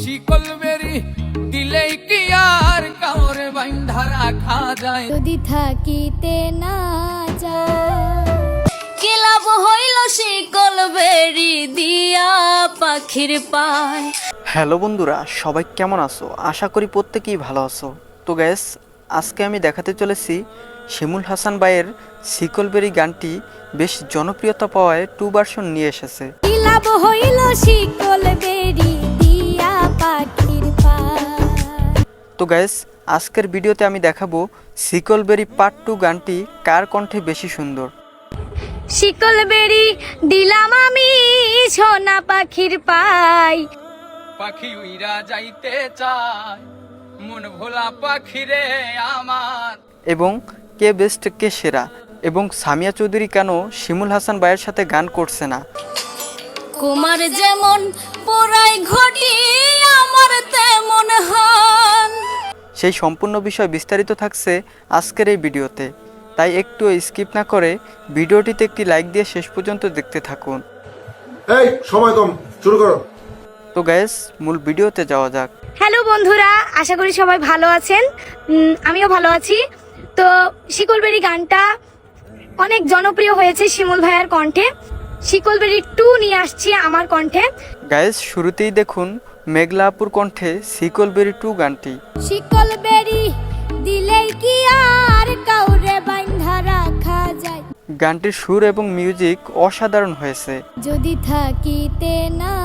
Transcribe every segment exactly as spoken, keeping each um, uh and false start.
শিকল বেরি দিলেই কি আর কাউরে বাইন্ধা রাখা যায় যদি থাকিতে না যায় কি লাভ হইল শিকল বেরি দিয়া পাখির পায়। হ্যালো বন্ধুরা, সবাই কেমন আছো? আশা করি প্রত্যেকেই ভালো আছো। তো গ্যাস, আজকে আমি দেখাতে চলেছি শিমুল হাসান ভাইয়ের শিকল বেরি গানটি বেশ জনপ্রিয়তা পাওয়ায় টু ভার্সন নিয়ে এসেছে। কি লাভ হইল শিকল বেরি দিয়া পাখির পায়। তো গ্যাস, আজকের ভিডিওতে আমি দেখাবো শিকল বেরি পার্ট টু গানটি কার কণ্ঠে বেশি সুন্দর। শিকল বেরি দিলাম আমি সোনা পাখির পাই, পাখি উইরা যাইতে চায় মন ভোলা পাখি রে আমার। এবং কে বেস্ট কে সেরা, এবং সামিয়া চৌধুরী কেন শিমুল হাসান ভাইয়ের সাথে গান করছে না। কুমার যেমন পোড়াই ঘটি আমার তেমন হন। সেই সম্পূর্ণ বিষয় বিস্তারিত থাকছে আজকের এই ভিডিওতে, তাই একটু স্কিপ না করে ভিডিওটিতে একটি লাইক দিয়ে শেষ পর্যন্ত দেখতে থাকুন। এই সময় কম, শুরু করো। তো গ্যাস, মূল ভিডিওতে যাওয়া যাক। হ্যালো বন্ধুরা, আশা করি সবাই ভালো আছেন। উম, আমিও ভালো আছি। তো শিকলবেরি গানটা অনেক জনপ্রিয় হয়েছে শিমুল ভাইয়ার কণ্ঠে। শিকলবেরি টু নিয়ে আসছি আমার কণ্ঠে। গ্যাস, শুরুতেই দেখুন মেঘলা আপুর কণ্ঠে শিকল বেরি টু গানটি। শিকলবেরি দিলেই কি আর কাউরে বাইন্ধা রাখা যায়, গানটির সুর এবং মিউজিক অসাধারণ হয়েছে। যদি থাকিতে না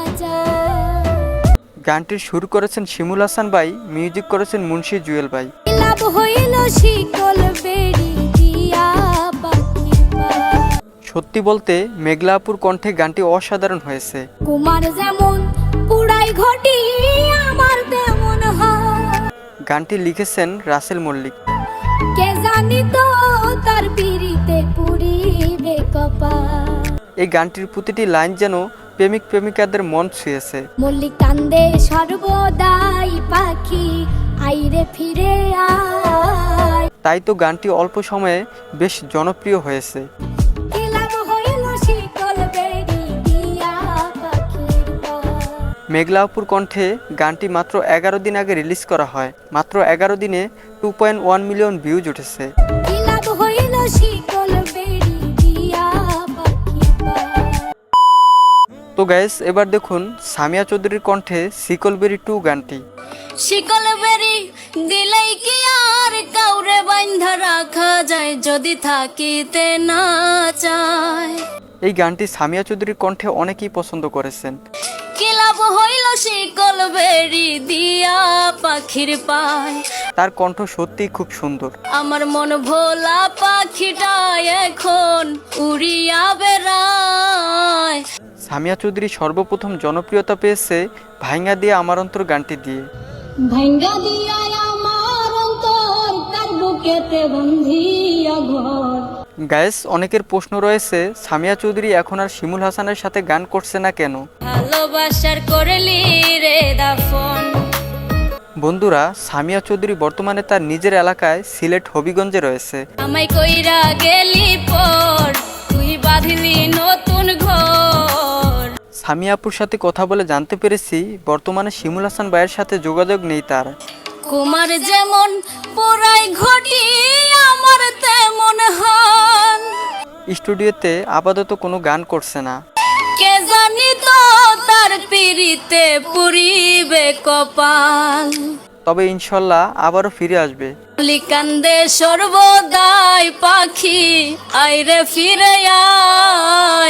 যায় গানটির সুর করেছেন শিমুল হাসান ভাই, মিউজিক করেছেন মুন্সি জুয়েল ভাই। কি লাভ হইল শিকলবেরি দিয়া পাখির পায়। সত্যি বলতে মেঘলা আপুর কণ্ঠে গানটি অসাধারণ হয়েছে। কুমার যেমন পুরাই ঘটি আমার তেমন হয়। গানটি লিখেছেন রাসেল মল্লিক। কে জানি তো তার পিরিতে পুরিবে কপাল। এই গানটির প্রতিটি লাইন যেন প্রেমিক প্রেমিকাদের মন ছুঁয়েছে। মল্লিক কান্দে সর্বদাই পাখি আইরে ফিরে আয়। তাই তো গানটি অল্প সময়ে বেশ জনপ্রিয় হয়েছে। কি লাভ হইল শিকলবেরি দিয়া পাখির পায়। মেঘলা আপুর কণ্ঠে গানটি মাত্র এগারো দিন আগে রিলিজ করা হয়। মাত্র এগারো দিনে two point one million views উঠেছে। কি লাভ হইল শিকলবেরি দিয়া পাখির পায়। তো গাইস, এবার দেখুন সামিয়া চৌধুরীর কণ্ঠে শিকল বেরি টু গানটি। শিকলবেরি দিলেই কি আর কাউরে বাইন্ধা রাখা যায়, যদি থাকিতে না চায়। এই গানটি সামিয়া চৌধুরীর কণ্ঠে অনেকেই পছন্দ করেছেন। কি লাভ হইল শিকলবেরি দিয়া পাখির পায়। তার কণ্ঠ সত্যিই খুব সুন্দর। আমার মন ভোলা পাখিটা এখন উড়িয়া বেড়ায়। সামিয়া চৌধুরী সর্বপ্রথম জনপ্রিয়তা পেয়েছে ভাইঙ্গা দিয়ে আমার অন্তর গানটি দিয়ে। ভাঙ্গা দিয়া আমার অন্তর তার বুকেতে বন্ধিয়া ঘর। গাইস, অনেকের প্রশ্ন রয়েছে সামিয়া চৌধুরী এখন আর শিমুল হাসানের সাথে গান করছে না কেন। ভালোবাসার করলি রে দাফন। বন্ধুরা, সামিয়া চৌধুরী বর্তমানে তার নিজের এলাকায় সিলেট হবিগঞ্জে রয়েছে। আমায় কইরা গেলি পর তুই বাঁধলি নতুন ঘর। সামিয়া আপুর সাথে কথা বলে জানতে পেরেছি বর্তমানে শিমুল হাসান ভাইয়ের সাথে যোগাযোগ নেই তার। কুমার যেমন পোড়াই ঘটি আমার তেমন হন। স্টুডিওতে আপাতত কোনো গান করছে না। কে জানি তো তার পিরিতে পুরিবে কপাল। তবে ইনশাল্লাহ আবারও ফিরে আসবে। লিকান্দে সর্বদাই পাখি আইরে ফিরে আয়।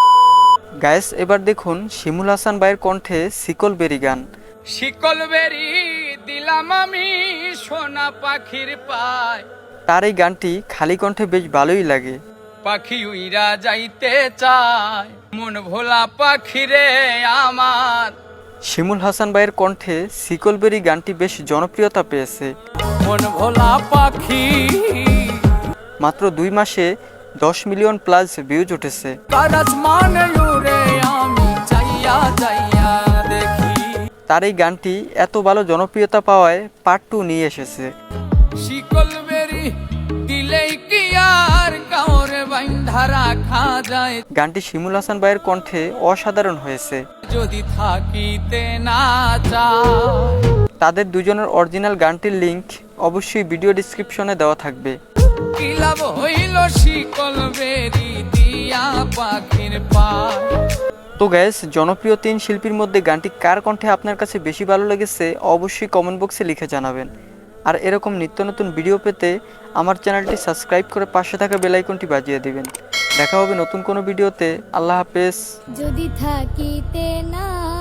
গাইস, এবার দেখুন শিমুল হাসান ভাইয়ের কণ্ঠে শিকল বেরি গান। শিকল বেরি দিলাম আমি সোনা পাখির পায়, তার এই গানটি খালি কণ্ঠে বেশ ভালোই লাগে। পাখি উইরা যাইতে চায় মন ভোলা পাখি রে আমার। শিমুল হাসান ভাইয়ের কণ্ঠে শিকল বেরি গানটি বেশ জনপ্রিয়তা পেয়েছে। মন ভোলা পাখি মাত্র দুই মাসে দশ মিলিয়ন প্লাস ভিউজ উঠেছে। কারাজ মানে উড়ে আমি চাইয়া চাইয়া দেখি। তার এই গানটি এত ভালো জনপ্রিয়তা পাওয়ায় পার্ট টু নিয়ে এসেছে। শিকল বেরি দিলেই কি আর কাউরে বাইন্ধা রাখা যায়, গানটি শিমুল হাসান ভাইয়ের কণ্ঠে অসাধারণ হয়েছে। যদি থাকিতে না চায়। তাদের দুজনের অরিজিনাল গানটির লিংক অবশ্যই ভিডিও ডেসক্রিপশনে দেওয়া থাকবে। কি লাভ হইল শিকল বেরি দিয়া পাখির পায়। তো গ্যাস, জনপ্রিয় তিন শিল্পীর মধ্যে গানটি কার কণ্ঠে আপনার কাছে বেশি ভালো লেগেছে অবশ্যই কমেন্ট বক্সে লিখে জানাবেন। আর এরকম নিত্য নতুন ভিডিও পেতে আমার চ্যানেলটি সাবস্ক্রাইব করে পাশে থাকা বেল আইকনটি বাজিয়ে দিবেন। দেখা হবে নতুন কোনো ভিডিওতে। আল্লাহ হাফেজ। যদি থাকিতে না